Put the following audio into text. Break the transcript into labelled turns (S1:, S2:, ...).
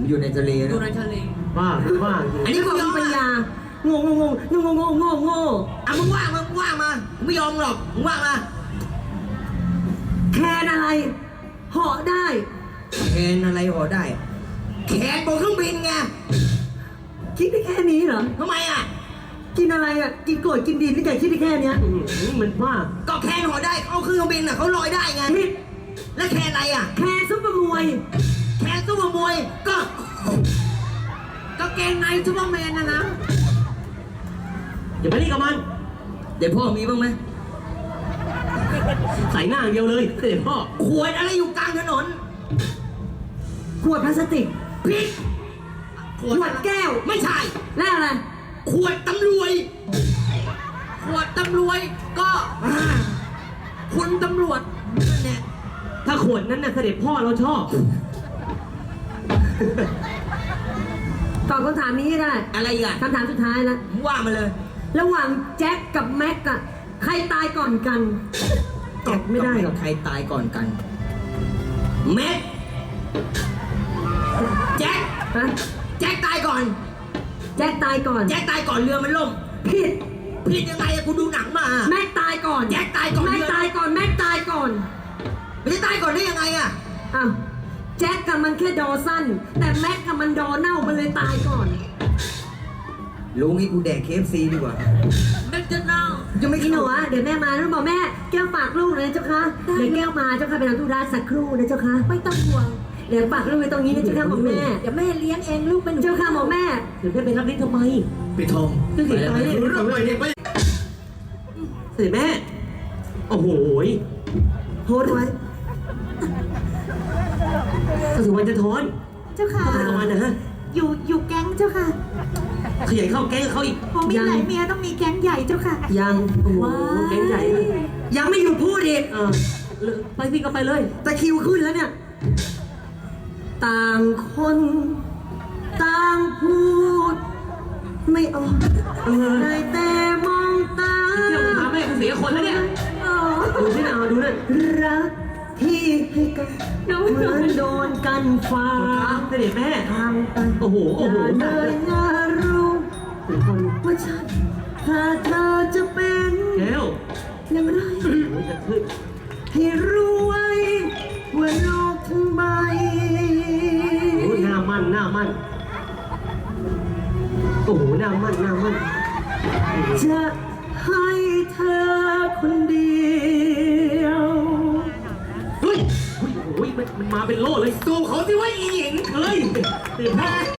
S1: อยู่ในทะเล
S2: อ
S1: นะ
S2: ยู่ในทะเล
S3: บ้าบ้า
S1: อันนี้
S4: บ
S1: กู
S4: อก
S1: ยอ
S4: มี
S1: ม
S4: ปัญ
S1: อ่ะ
S4: ญาโง่โง่โง่โง่โง่โง่โง่
S1: อ่ะมึงว่างมามึงว่างมากูไม่ยอมหรอกมึงว่างมา
S4: แคนอะไรเหาะได้
S1: แคนอะไรหอได้แคนบนเครื่องบินไง
S4: คิดได้แค่นี้เหรอ
S1: ทำไมอ่ะ
S4: กินอะไรอ่ะกินโกรธกินดินนี่ไงคิดได้แค่เนี้ย
S3: มันบ้า
S1: ก็แคนหอได้เอาเครื่องบินอ่ะเขาลอยได้ไง
S4: ผิด
S1: แล้วแคนอะไรอ่ะ
S4: แคนซุปเปอร์มวย
S1: แคนซุปเปอร์มวยก็
S2: ก็เกงในซูเปอร์แมนนะ
S3: อย่าไปเล่นกับมัน
S1: เดี๋ยวพ่อมีบ้างไหม
S3: ใส่หน้าอย่างเดียวเลยเสด็จพ่อ
S1: ขวดอะไรอยู่กลางถนน
S4: ขวดพลาสติก
S1: พิษ
S4: ขวดแก้ว
S1: ไม่ใช่
S4: แล้วอะไร
S1: ขวดตำรวจ
S2: ขวดตำรวจก็คุณตำรวจนั่นแหละ
S3: ถ้าขวดนั้นน่ะเสด็จพ่อเราชอบ
S4: ตอบคำถามนี้ให้ได้
S1: อะไรอีกอ่ะ
S4: คำถามสุดท้ายแล้ว
S1: มึงว่ามาเลย
S4: ระหว่างแจ็คกับแม็กอะใครตายก่อนกันตอบไม่ได้หรอก
S1: ใครตายก่อนกันแม็กแจ็ค
S4: ฮะ
S1: แจ็คตายก่อน
S4: แจ็คตายก่อน
S1: แจ็คตายก่อนเรือมันล่ม
S4: ผิด
S1: ผิดยังไงอะกูดูหนังมา
S4: แม็กตายก่อน
S1: แจ็คตายก่อน
S4: แม็กตายก่อนแม็กตายก่อน
S1: มันจะตายก่อนได้ยังไงอะ
S4: อ้าวแจ็คกับมันแค่ดอสั้น แต่แม็กกับมันดอเน่ามันเลยตายก่อน
S1: รู้งี้กูแดก KFC ดีกว่า
S2: แม็กจะเน่า
S1: ยังไม่
S4: พี่หนู
S1: เข้า
S4: อะเดี๋ยวแม่มาแล้วบอกแม่แก้วฝากลูกนะเจ้าคะเดี๋ยวแก้วมาเจ้าค่ะไปทำธุระสักครู่นะเจ้าคะ
S5: ไม่ต้องห่วง
S4: เดี๋ยวฝากลูกไว้ตรงนี้นะเจ้าค่ะบอกแม่
S5: เดี๋ยวแม่เลี้ยงเองลูกเป็น
S4: เจ้าค่ะบอกแม่
S3: เดี๋ยวแม่ไปรับลิ้นทำไม
S1: ไปทอง
S3: จะเสียใจเลย
S1: เรื่องใหม่เนี่ยไป
S3: เสด็จแม่ โอ้โห
S4: โพสต์ไว้
S3: กระสุนวันจะทอน
S5: เจ้าค่ะ
S3: เข้าไปกับมันนะฮะ
S5: อยู่แก๊งเจ้าค่ะ
S3: ขยายเข้าแก๊งกับเขาอีก
S5: พอมีหลายเมียต้องมีแก๊งใหญ่เจ้าค่ะ
S4: ยัง
S3: โอ้โหแก๊งใหญ่เลย
S4: ยังไม่หยุดพูดอีก
S3: ไปสิก็ไปเลย
S4: ตะคริวขึ้นแล้วเนี่ย ต่างคนต่างพูด ไม่ออกได้แต่มองตา
S3: เที่ยวพาแม่กูเสียคนแล้วเนี่ย ดูสินะดูนั่น
S4: รักที่ให้กันเหมือนโดนกันฟ้า
S3: เสด็จแม่
S4: ทางตัน
S3: โอ้โห โอ้โห
S4: อย่าเลยนะรู้
S3: เป็นคน
S4: ว่าฉันถ้าเธอจะเป็น
S3: แก้ว
S4: อย่างไร
S3: โอ้ยจะขึ้น
S4: ให้รู้ไว้ว่าโลกทั้งใบ
S3: โอ้ยหน้ามั่นหน้ามั่นโอ้โหหน้ามั่นหน้ามั่น
S4: จะให้เธอคนเดียว
S3: เฮ้ยโอ้ยมันมาเป็นโล่เลย
S1: สู้เขาสิว่าอีหญิง
S3: เฮ้ยเสด็จพ่อ